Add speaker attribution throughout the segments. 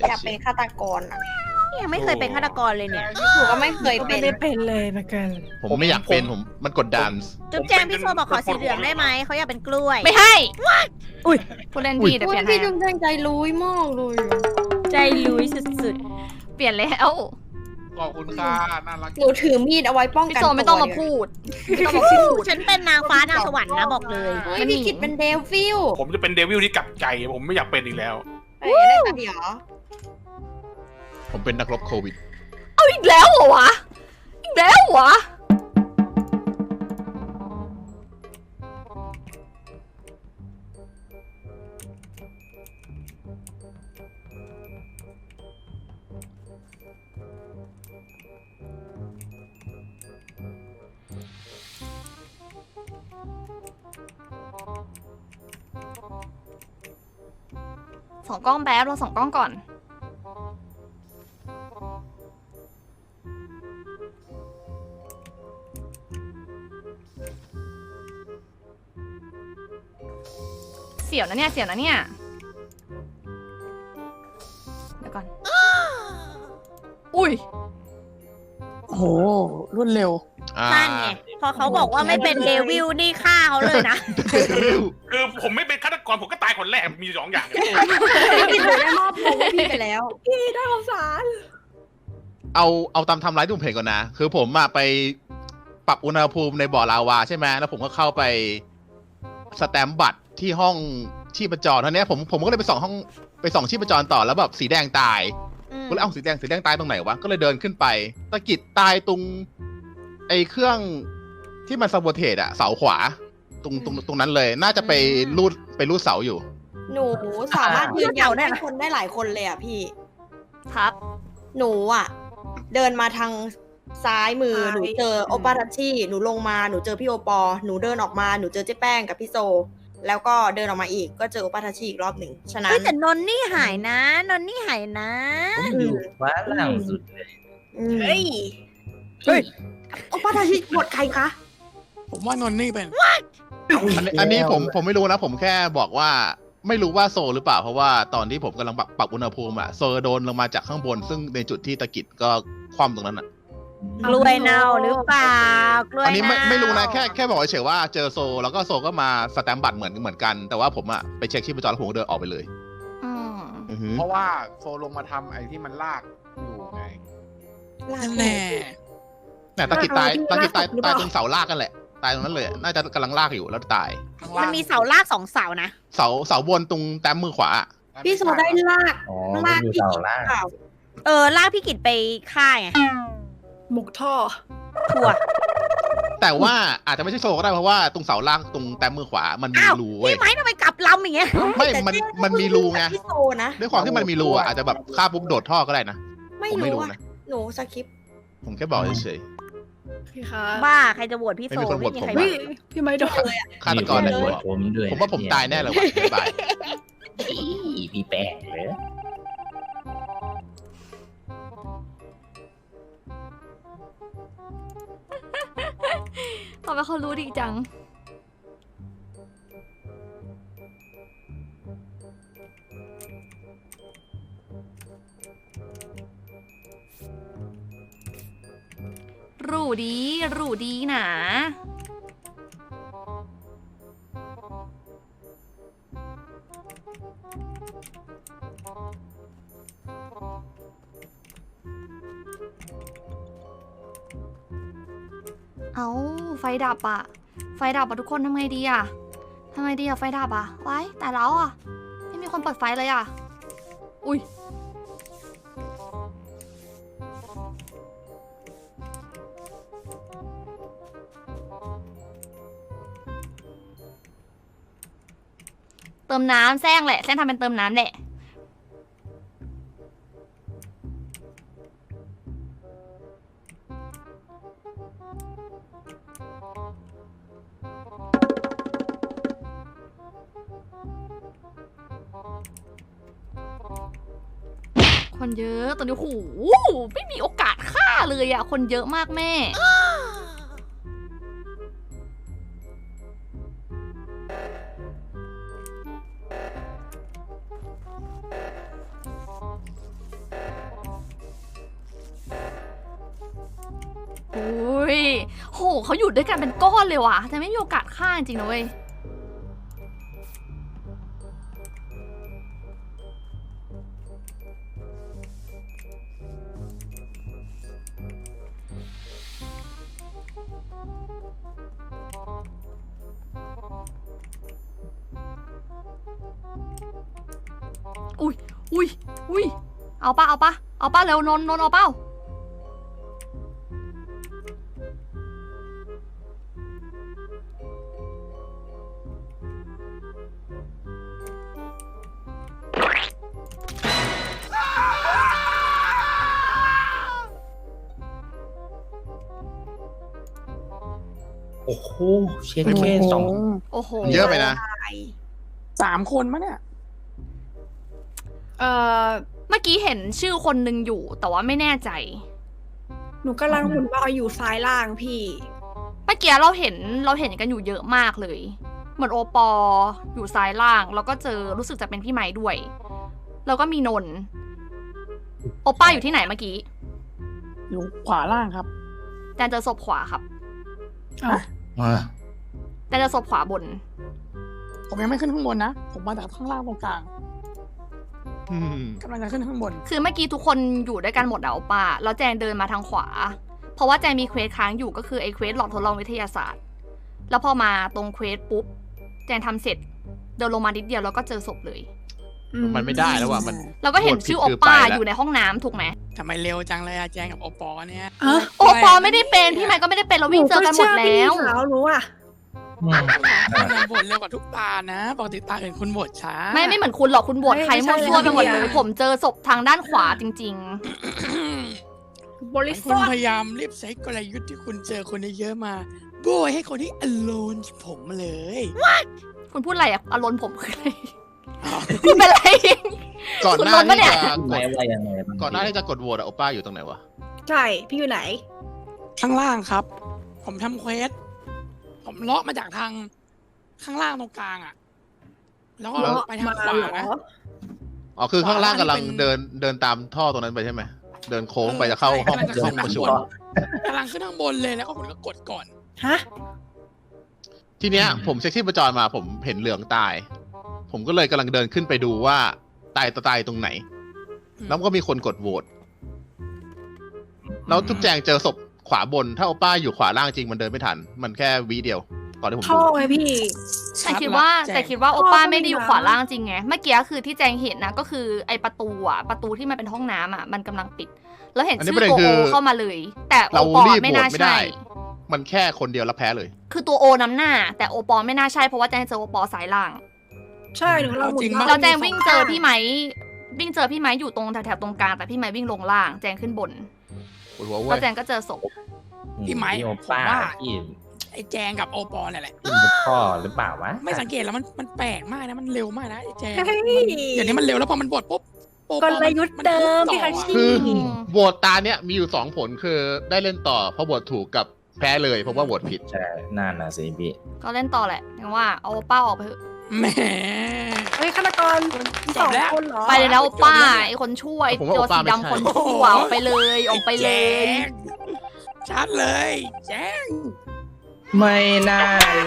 Speaker 1: อยากเป็นฆาตกรอ่ะ
Speaker 2: ยังไม่เคยเป็นฆาตกรเลยเนี่ย
Speaker 1: หนูก็ไม่เคย
Speaker 3: ก็
Speaker 1: เป็
Speaker 3: ไม่
Speaker 1: น
Speaker 3: ได้เป็นเลยเหมือนกัน
Speaker 4: ผมไม่อยากเป็นมันกดดัน
Speaker 2: จุ๊บแจงพี่โซบอกขอสีเหลืองได้ไหมเขาอยากเป็นกล้วย
Speaker 5: ไม่ให้
Speaker 2: อุ้ย
Speaker 5: ผู้เล่นพี่เดี๋ยวเปลี่ยนให้
Speaker 1: พี่จุ๊บแจงใจรู้มากเลย
Speaker 2: ใจลุยสุด
Speaker 5: เปลี่ยนแล้ว
Speaker 6: ขอบคุณค่ะน่ารัก
Speaker 1: หนูถือมีดเอาไว้ป้อง
Speaker 5: พี่
Speaker 1: กัน
Speaker 5: โซไม่ต้องมา
Speaker 1: ตัว
Speaker 5: พูด
Speaker 2: ๆไม่ต้องมาพูดฉันเป็นนางฟ้านางสวรรค์นะบอกเลย
Speaker 1: เฮ้ยพี่กิตเป็นเดวิล
Speaker 6: ผมจะเป็นเดวิลที่กลับใจ ผมไม่อยากเป็นอีกแล้ว
Speaker 1: เอ้ยได้แต่เดี๋ยว
Speaker 4: ผมเป็นนักรบโควิด
Speaker 5: เอาอีกแล้วเหรอวะ อีกแล้วเหรอวะ ส่องกล้องแป๊บเราส่องกล้องก่อน เสียวนะเนี่ย เสียวนะเนี่ย เดี๋ยวก่อน อุ้ย
Speaker 3: โอ้โหรวดเร็ว
Speaker 2: นั่นไงพอเขาบอกว่าไม่เป็นเดวิลนี่ฆ่าเขาเลยนะ
Speaker 6: คือผมไม่เป็นฆาตกรผมก็ตายคนแรกมี2 อย่าง
Speaker 1: พี่กิตหนูได้มอบตัวพี่ไปแล้ว
Speaker 3: น่าสงสาร
Speaker 4: เอาตามไทำร้ายที่ผมเห็นก่อนนะ คือผมอะไปปรับอุณหภูมิในบ่อลาวาใช่ไหมแล้วผมก็เข้าไปสแตมป์บัตรที่ห้องชีพจรเท่านี้ผมก็เลยไปส่องชีพจรต่อแล้วแบบสีแดงตายก็เลยเอาสีแดงตายตรงไหนวะก็เลยเดินขึ้นไปตะกิดตายตรงไอ้เครื่องที่มันซาโบเทตอะเสาขวาตรงนั้นเลย น่าจะไปรูดเสาอยู่
Speaker 1: หนูสามารถยืนยันให้คนได้หลายคนเลยอ่ะพี่
Speaker 5: ครับ
Speaker 1: หนูอ่ะ เดินมาทางซ้ายมือ หนูเจอโอปาทัชชี่หนูลงมาหนูเจอพี่โอปอหนูเดินออกมาหนูเจอเจ๊แป้งกับพี่โซ แล้วก็เดินออกมาอีกก็เจอโอปาทัชชี่อีกรอบหนึ่งฉะนั้
Speaker 2: เฮ้ย
Speaker 1: น
Speaker 2: แต่นนนี่หายนะนนนี่หายนะ
Speaker 7: ผมอยู่ฟ้าล่างสุดเลย
Speaker 1: เฮ้ย
Speaker 3: เฮ้ย
Speaker 1: โอปาทัชชี่บทใครคะ
Speaker 3: ผมว่านนนี่เป็น
Speaker 4: อันนี้ผมไม่รู้นะ ผมแค่บอกว่าไม่รู้ว่าโซหรือเปล่าเพราะว่าตอนที่ผมกำลังปรับอุณหภูมิอะโซโดนลงมาจากข้างบน ซึ่งในจุดที่ตะกิดก็คว่ำตรงนั้นอะ
Speaker 2: กล้วยเน่าหรือเปล่ากล้วย
Speaker 4: อันนี้
Speaker 2: เน่า
Speaker 4: ไม่รู้นะแค่บอกเฉยๆว่าเจอโซแล้วก็โซก็มาสแตมป์บัตรเหมือนกัน แต่ว่าผมอะไปเช็คชีพจรแล้วผมก็เดินออกไปเลย
Speaker 5: อืม
Speaker 4: อือหือ
Speaker 6: เพราะว่าโซลงมาทำไอ้ที่มันลากอยู่ไง
Speaker 3: นั่นแหละ
Speaker 4: เนี่ยตะกิดตายตรงเสาลากกันแหละ ตายตรงนั้นเลย น่าจะกำลังลากอยู่แล้วตาย
Speaker 2: มันมีเสาลาก2 เสานะ
Speaker 4: เสาบนตรงแต้มมือขวา
Speaker 1: พี่โซได้ลาก
Speaker 7: อ๋อมันอยู่เสาล่าง
Speaker 1: เปล่า
Speaker 2: ลากพี่กิจไปฆ่าไง
Speaker 3: หมกท่อ
Speaker 2: ถั่ว
Speaker 4: แต่ว่าอาจจะไม่ใช่โซก็ได้เพราะว่าตรงเสาล่างตรงแต้มมือขวามันมี
Speaker 2: อ้าว
Speaker 4: รูเว้ย
Speaker 2: พี่ไม้ทำไมกลับลำอย่างเงี้ย
Speaker 4: ไม่มันมีรูไง
Speaker 1: พี่โซนะ
Speaker 4: ด้วยความที่มันมีรูอะอาจจะแบบฆ่าปุ๊บโดดท่อก็ได้นะ
Speaker 1: ไม่
Speaker 4: ผมไม่
Speaker 1: รู้
Speaker 4: รู้
Speaker 1: อ่ะ
Speaker 4: นะ
Speaker 1: หนูสคริปต์
Speaker 4: ผมแค่บอกเฉย
Speaker 3: พี่คะ
Speaker 2: บ้าใครจะโหวตพี่โซ
Speaker 4: ไม่มีคนโหวต
Speaker 2: ไม่มีใคร
Speaker 4: ผม
Speaker 3: เฮ้
Speaker 2: โห
Speaker 3: ยว
Speaker 2: ต
Speaker 3: พี่ไม่โดน
Speaker 1: เลยอ่ะ
Speaker 4: ๆฆาตกร
Speaker 7: มี
Speaker 4: เลย
Speaker 7: คนโหวตผมด้วย
Speaker 4: ผมว่าผมตายแน่เลยว่ะบ๊ายบาย
Speaker 7: อีพี่แป้งเลย
Speaker 5: ทำไมเขารู้ดีจัง รู้ดีนะ เอาไฟดับอะไฟดับอะทุกคนทำไงดีอะทำไงดีอะไฟดับอะไว้แต่แล้วอะไม่มีคนเปิดไฟเลยอะอุ้ยเติมน้ำแซงแหละแซงทำเป็นเติมน้ำแหละ คนเยอะตอนนี้โอ้โหไม่มีโอกาสฆ่าเลยอะคนเยอะมากแม่โอ้ยโหเขาอยู่ด้วยกันเป็นก้อนเลยว่ะแต่ไม่มีโอกาสฆ่าจริงนะเว้ยอุ้ยอุ้ยอุ้ยเอาป่ะเอาป่ะเอาป่ะเร็วนนเอาเป้า
Speaker 7: โอ้โหเช็คแค่สอง
Speaker 5: โอ้โห
Speaker 4: เยอะไปนะ
Speaker 3: 3 คนมั้ยเนี่ย
Speaker 5: เมื่อกี้เห็นชื่อคนหนึ่งอยู่ แต่ว่าไม่แน่ใจ
Speaker 3: หนูกำลังหมุนว่าอยู่ซ้ายล่างพี่
Speaker 5: เมื่อกี้เราเห็นกันอยู่เยอะมากเลย เหมือนโอปออยู่ซ้ายล่าง แล้วก็เจอรู้สึกจะเป็นพี่ไม้ด้วย แล้วก็มีนนท์โอป้าอยู่ที่ไหนเมื่อกี้
Speaker 3: อยู่ขวาล่างครับ
Speaker 5: แจนเจอศพขวาครับ
Speaker 7: อ่า
Speaker 5: แจนเจอศพขวาบน
Speaker 3: ผมยังไม่ขึ้นข้างบนนะ ผมมาจากข้างล่างตรงกลาง
Speaker 4: อืม
Speaker 3: กำลังจะขึ้นข้างบน
Speaker 5: คือเมื่อกี้ทุกคนอยู่ด้วยกันหมดอะโอป้าแล้วแจงเดินมาทางขวา เพราะว่าแจงมีเควสค้างอยู่ก็คือไอ้เควสหลอดทดลองวิทยาศาสตร์ แล้วพอมาตรงเควสปุ๊บแจงทำเสร็จเดินลงมานิดเดียวแล้วก็เจอศพเลย
Speaker 4: มันไม่ได้แล้วว่ะมัน
Speaker 5: แล้วก็เห็นชื่อโอ
Speaker 4: คือ
Speaker 5: ป้า
Speaker 4: ไปแล้ว
Speaker 5: อยู่ในห้องน้ำถูกไหม
Speaker 3: ทำไมเร็วจังเลยอะแจงกับโอปอเนี่ย
Speaker 5: โอปอไม่ได้เป็นพี่ไมค์ก็ไม่ได้เป็นเราวิ่งเจอกันหมดแล้ว
Speaker 3: รู้อ่ะ
Speaker 7: อืม
Speaker 3: คุณโหวตเร็วกว่าทุกตานะ ปกติตาอื่นคุณโหวตช้า
Speaker 5: ไม่เหมือนคุณหรอกคุณบวชใครมั่วซั่วไปหมดเลย ผมเจอศพทางด้านขวาจริง
Speaker 3: บริสุทธิ์พยายามรีบใช้กลยุทธ์ที่คุณเจอคนเยอะๆมาโบยให้คนที่ alone ผมเลย
Speaker 5: ๆ คุณพูดอะไรอะอารมณ์ผมคืออะไรคุณเป็นอะไร
Speaker 4: ก่อนหน้า
Speaker 5: คุณโดนปะเนี่
Speaker 4: ที่
Speaker 5: ย
Speaker 4: จะก
Speaker 7: ไม่
Speaker 4: ด
Speaker 7: ว่ายังไงบ้าง
Speaker 4: ก่อนหน้าที่จะกดโหวตอะโอป้าอยู่ตรงไหนวะ
Speaker 3: ใช่ พี่อยู่ไหน ข้างล่างครับ ผมทำเควส ผมเลาะมาจากทางข้างล่างตรงกลางอ่ะ แล้วก็ไปทางขวานะ
Speaker 4: อ๋อคือข้างล่างกำลัง
Speaker 3: เป็น
Speaker 4: เดินตามท่อตรงนั้นไปใช่ไหมเดินโค้งไปจะเข้าห้อง
Speaker 3: กำลังจะ
Speaker 4: ห้องประชุม
Speaker 3: กำลังขึ้นข้างบนเลยแล้วก็ผมก็กดก่อน
Speaker 4: ทีเนี้ยผมเช็คที่ประจรมาผมเห็นเหลืองตาย ผมก็เลยกำลังเดินขึ้นไปดูว่าตายตรงไหน แล้วก็มีคนกดโหวตแล้วทุกแจงเจอศพขวาบน ถ้าโอป้าอยู่ขวาล่างจริงมันเดินไม่ทัน มันแค่วิเดียวก่อนที่ผม
Speaker 3: ท่
Speaker 4: ดู
Speaker 3: อไงพี่
Speaker 5: แต่คิดว่าโอป้าไม่ได้อยู่ขวาล่างจริงไง เมื่อกี้คือที่แจงเห็นนะก็คือไอประตูอะประตูที่มันเป็นห้องน้ำอะมันกำลังปิด แล้วเห็นชื่อตัวโอเข้ามาเลย แต่โอ
Speaker 4: เรา
Speaker 5: ปอ
Speaker 4: รีบ
Speaker 5: ไม่
Speaker 4: โหว
Speaker 5: น่า
Speaker 4: ตไม่
Speaker 5: ใช่
Speaker 4: ได้ มันแค่คนเดียวแล้วแพ้เลย
Speaker 5: คือตัวโอนำหน้า แต่โอปอไม่น่าใช่เพราะว่าแจงเจอโอปอสายล่าง
Speaker 3: ใช่หนูเราหมุน
Speaker 5: แล้วแจงวิ่งเจอพี่ไม้อยู่ตรงแถวๆตรงกลางแต่พี่ไม้วิ่งลงล่างแจงขึ้นบน
Speaker 4: ปวดหัวเว้
Speaker 5: แล้ว
Speaker 4: ย
Speaker 5: แจงก็เจอศพ
Speaker 3: พี่ไม้
Speaker 7: โอ
Speaker 3: ผม
Speaker 7: ป้า
Speaker 3: ว่า
Speaker 7: ที่
Speaker 3: ไอ้แจงกับโอปอเนี่ยแหละ
Speaker 7: ที่มุดท่อหรือเปล่าวะ
Speaker 3: ไม่สังเกตแล้วมันแปลกมากนะ มันเร็วมากนะไอ้แจงเดี๋ยวนี้มันเร็วแล้วพอมันบดปุ๊บโอปอ
Speaker 8: กลยุทธ์เดิมพี่คัชชี่
Speaker 4: คือโหวตตาเนี้ยมีอยู่2 ผลคือได้เล่นต่อเพราะโหวตถูกกับแพ้เลยเพราะว่าโหวตผิด
Speaker 7: ใช่น่าน่ะสิพี่
Speaker 5: ก็เล่นต่อแหละยังว่าเอาโอป้าออกไปเถอะ
Speaker 3: แหม
Speaker 8: เฮ้ยฆาตกร
Speaker 3: จบแล้ว
Speaker 8: คนเหรอ
Speaker 5: ไปเลยนะโอป้าไอคนช่วย
Speaker 4: ผมว่า
Speaker 5: ตัว
Speaker 4: โอป้า
Speaker 5: สี
Speaker 4: ไม่
Speaker 5: ดำ
Speaker 4: ใช่
Speaker 5: คนชั่วออกไปเลยออกไปเลย
Speaker 3: แจงชัดเลยแจง
Speaker 7: ไม่น่าเลย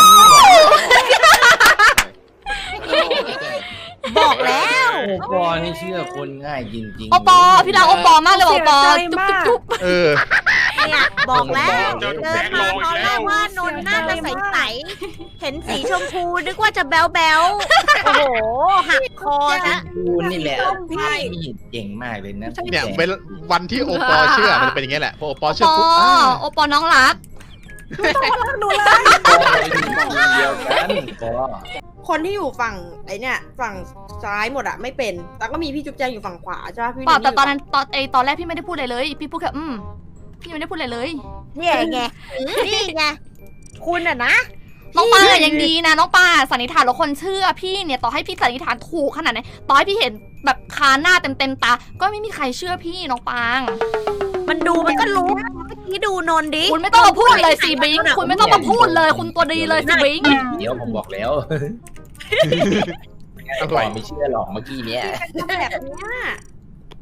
Speaker 2: บอกแล้ว
Speaker 7: โอปอนี่เชื่อคนง่ายจริงๆ
Speaker 5: โอปอพี่รักโอปอมากเลยโอปอจุ๊บ
Speaker 4: เออ
Speaker 2: เนี่ยบอกแล้ว
Speaker 6: เจอ
Speaker 2: เดิ
Speaker 6: แบ
Speaker 2: น
Speaker 6: งค์โล
Speaker 2: มา
Speaker 6: อี
Speaker 2: ตอก นแร
Speaker 6: แล้ว
Speaker 2: กว่านนท์น่าจะใสๆเห็นสีชมพูนึกว่าจะแบ๊วแบ๊วๆโอ้โหหักคอนะ
Speaker 7: คูณนี่แหละ
Speaker 8: พี่
Speaker 7: มีเก่งมากเลยนะ
Speaker 4: เนี่ยเป็นวันที่โอปอเชื่อมันเป็นอย่างเงี้ยแหละพอโอปอ
Speaker 5: โอ
Speaker 4: เชื่อ
Speaker 5: ปอ
Speaker 4: ปุ๊บ
Speaker 5: โอปอน้องรัก
Speaker 8: หนูเลย
Speaker 7: เดียวกันปอ
Speaker 1: คนที่อยู่ฝั่งไอเนี่ยฝั่งซ้ายหมดอะไม่เป็นแต่ก็มีพี่จุ๊บแจงอยู่ฝั่งขวาใช่ปะพี่
Speaker 5: เปล่าแต่
Speaker 1: ยู่
Speaker 5: ตอนนั้นตอนแรกพี่ไม่ได้พูดอะไรเลยพี่พูดแค่พี่ไม่ได้พูดอะไรเลย
Speaker 2: เนี่ยไงนี่ไงคุณอะนะ
Speaker 5: น้องปาอะยังดีนะน้องปาสันนิษฐานแล้วคนเชื่อพี่เนี่ยต่อให้พี่สันนิษฐานถูกขนาดไหนต่อให้พี่เห็นแบบคาหน้าเต็มตาก็ไม่มีใครเชื่อพี่น้องปาง
Speaker 2: มันดูมันก็รู้เมื่อกี้ดูนนท์ดิ
Speaker 5: คุณไม่ต้องมาพูดเลยสิบิงคุณไม่ต้องมาพูดเลย คุณตัวดีเลยสิบิง
Speaker 7: เดี๋ยวผมบอกแล้วปอไม่เชื่อหรอกเมื่อกี้เนี้ย
Speaker 1: แบบเนี้ย